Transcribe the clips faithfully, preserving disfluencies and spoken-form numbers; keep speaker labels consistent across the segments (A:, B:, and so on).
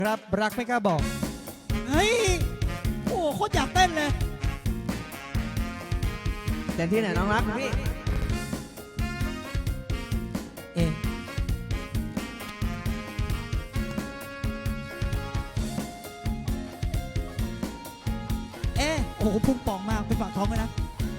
A: ครับรักไม่กล้าบอก
B: เฮ้ยโอ้โหโคตรอยากเต้นเลย
C: เต็มที่ไหนน้องรักพี่
B: เอ๊ะเอ๊ะโอ้โหพุ่งป่องมากเป็นปากท้องเลยนะ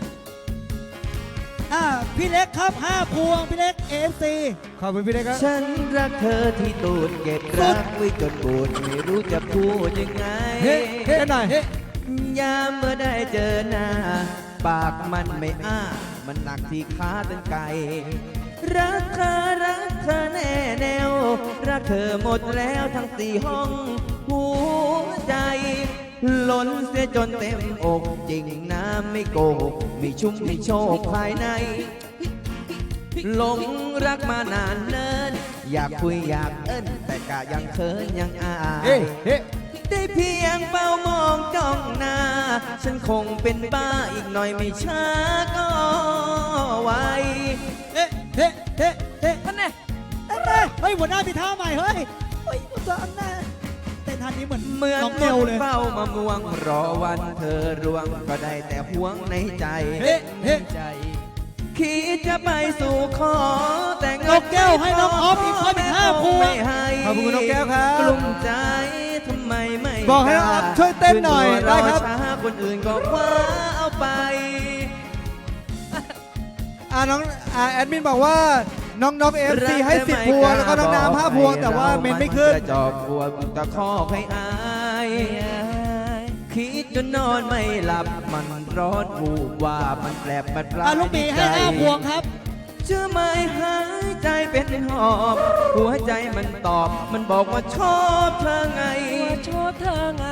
B: อ่าพี่เล็กครับห้าพวงพี่เล็ก เอ เอฟ ซี
A: ขอบคุณพี่เล็กครับ
C: ฉันรักเธอที่ตูดเก็บรักไว้จนบูดไม่รู้จะพูดยังไง
A: เฮ้เฮ้หน่อย
C: ยามเมื่อได้เจอหน้า ปากมันไม่อ้า มันหนักที่ขาตั้งไกลรักเธอรักเธอแน่แนว รักเธอหมดแล้วทั้งสี่ห้องหัวใจล้นเสียจนเต็มอกจริงนะไม่โกหกมีชุ่มมีโชคภายในหลงรักมานานเนินอยากคุยอยากเอิ้นแต่กะยังเคินยังอาย
A: เฮ้เฮ้
C: ได้เพียงเฝ้ามองจ้องหน้า ฉันคงเป็นบ้าอีกหน่อยไม่ช้าก็ไว
B: เอ๊ะเฮ้เฮ้เฮ้ท่านแน่ท่านแน่เฮ้ยหัวหน้ามีท่าใหม่เฮ้ยเฮ้ยหัวหน้าเต้นท่านี้เหมือน
C: เหมือน
B: น้อง
C: ค
B: เนล
C: น
B: เลย
C: เฝ้ามามวงรอวันเธอรวงก็ได้แต่ห่วงในใจ
B: เฮ้เฮ้
C: ใจคิดจะไปสู่ขอแต่เงิ
B: นกแก้วให้น้องออฟอีกคนอีกห้าพวง
C: ไม่ให้
A: ขอบคุณน้องแก้วครับ
C: กลุ้มใจทำไมไม่
A: บอกให้น้องออฟช่วยเต้นหน่อย
C: ขึ้
A: ได้ครับ
C: อช้าคนอื่นก็คว้าเอาไป
A: อ่าน้องอ่าแอดมินบอกว่าน้องนกเอฟซีให้สิบพวงแล้วก็น้องน้ำห้าพวงแต่ว่าเมนไม่ขึ้น
C: กระจอกบัวตะคอกให้อายคิดจนนอนไม่หลับมันร้อนวูบว่ามันแปลบมันปลา
B: อ่ะลูกหมีให้ห้าพวงครับ
C: เชื่อไหมหายใจเป็นหอบ หัวใจมันตอบ มันบอกว่าชอบเธอไง
D: ชอบเธอไง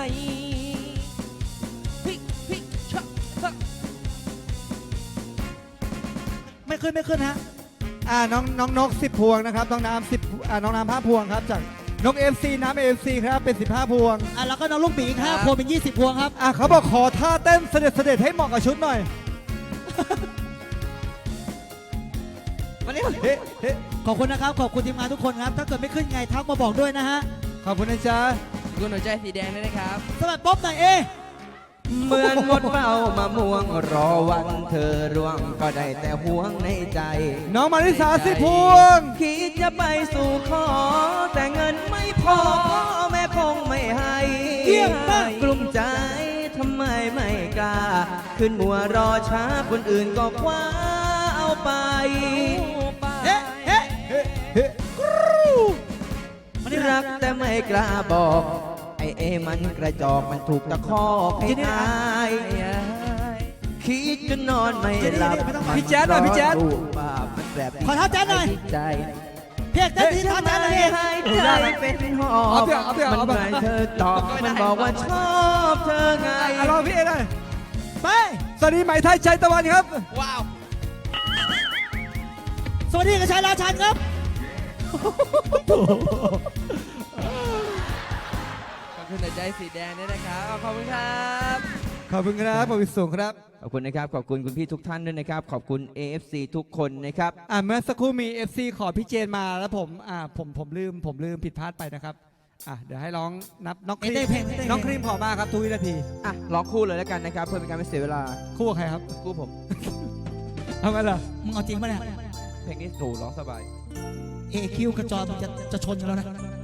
D: พี่พี่ชอบชอบ
B: ไม่ขึ้นไม่ขึ้นฮะ
A: อ่าน้องน้องนกสิบพวงนะครับน้องน้ำสิบอ่าน้องน้ำห้าพวงครับจากนกเอฟซีน้ำเอฟซีครับเป็นสิบห้าพวง
B: อ่ะแล้วก็น้องลูกหมีอีกห้าพวงเป็นยี่สิบพวงครับ
A: อ่ะเขาบอกขอท่าเต้นเสด็จเสด็จให้เหมาะกับชุดหน่อย
C: วันนี้
A: เฮ้เฮ้
B: ขอบคุณนะครับขอบคุณทีมงานทุกคนครับถ้าเกิดไม่ขึ้นไงทักมาบอกด้วยนะฮะ
A: ขอบคุณนะจ๊ะ
D: คุณหัวใจสีแดงด้วยนะครับ
B: สวัสดีป๊อบหน่อยเอ
C: เหมือนมดเฝ้ามามวงรอวันเธอร่วงก็ได้แต่ห่วงในใจ
A: น้องมาริสาสิบพวง
C: คิดจะไปสู่ขอ แต่เงินไม่พอพ่อแม่คงไม่ให้
B: เยี่ยมมาก
C: กลุ้มใจทำไมไม่กล้า ขึ้นมัวรอช้าคนอื่นก็คว้าเอาไป
B: เฮ้เฮ้
A: เฮ้เฮ้
B: มานี่
C: รั
B: รั
C: ก
B: ก
C: แต่ไม่กล้าบอก ไอเอมันกระจอกมันถูกตะคอกให้อายคิดจนนอนไม่หลับ
A: พี่แจ๊ดหน่อยพี่แจ๊ด
C: รูปภาพมันแบบ
B: ขอท่าแจ๊ดหน่อย
C: ใจ
B: เพียกเต้นทีท่าแจ๊ดหน่อยดิ
C: ให้ใจเป็นหอ
A: เอา
C: บ
A: เถอะเอาเถอะ
C: มัน
A: เอาเถอะ
C: ไม่เธอตอบมันบอกว่าชอบเธอไง
A: อ่ะรอพี่เอหน่อย
B: ไป
A: สวัสดีไหมไทยใจตะวันครับ
D: ว้าว
B: สวัสดีกระชายราชันครับ
D: ขอบคุณหัวใจสีแดงด้วยนะครับ ขอบคุณครับ
A: ขอบคุณครับขอบคุณสูงครับ
C: ขอบคุณนะครับ ขอบคุณคุณพี่ทุกท่านด้วยนะครับ ขอบคุณ เอ เอฟ ซี ทุกคนนะครับ
A: อ่าเมื่อสักครู่มี เอฟ ซี ขอพี่เจนมาแล้วผมอ่าผมผมลืมผมลืมผิดพลาดไปนะครับอ่ะเดี๋ยวให้ร้องนับน้องครี
B: เต้นเพลง
A: ม
B: เต้นเพลง
A: น้องครีมขอมาครับทุกวินาที
C: อ่ะร้องคู่เลยแล้วกันนะครับ เพื่อเป็นการไม่เสียเวลา
A: คู่กับใครครับ
C: คู่ผม
A: เอางั้นเหรอ
B: มึงเอาจริงปะเนี่ย
C: เพลงนี้ถูร้องสบาย
B: เอคิวกระจอมงจะจะชนกันแล้วนะ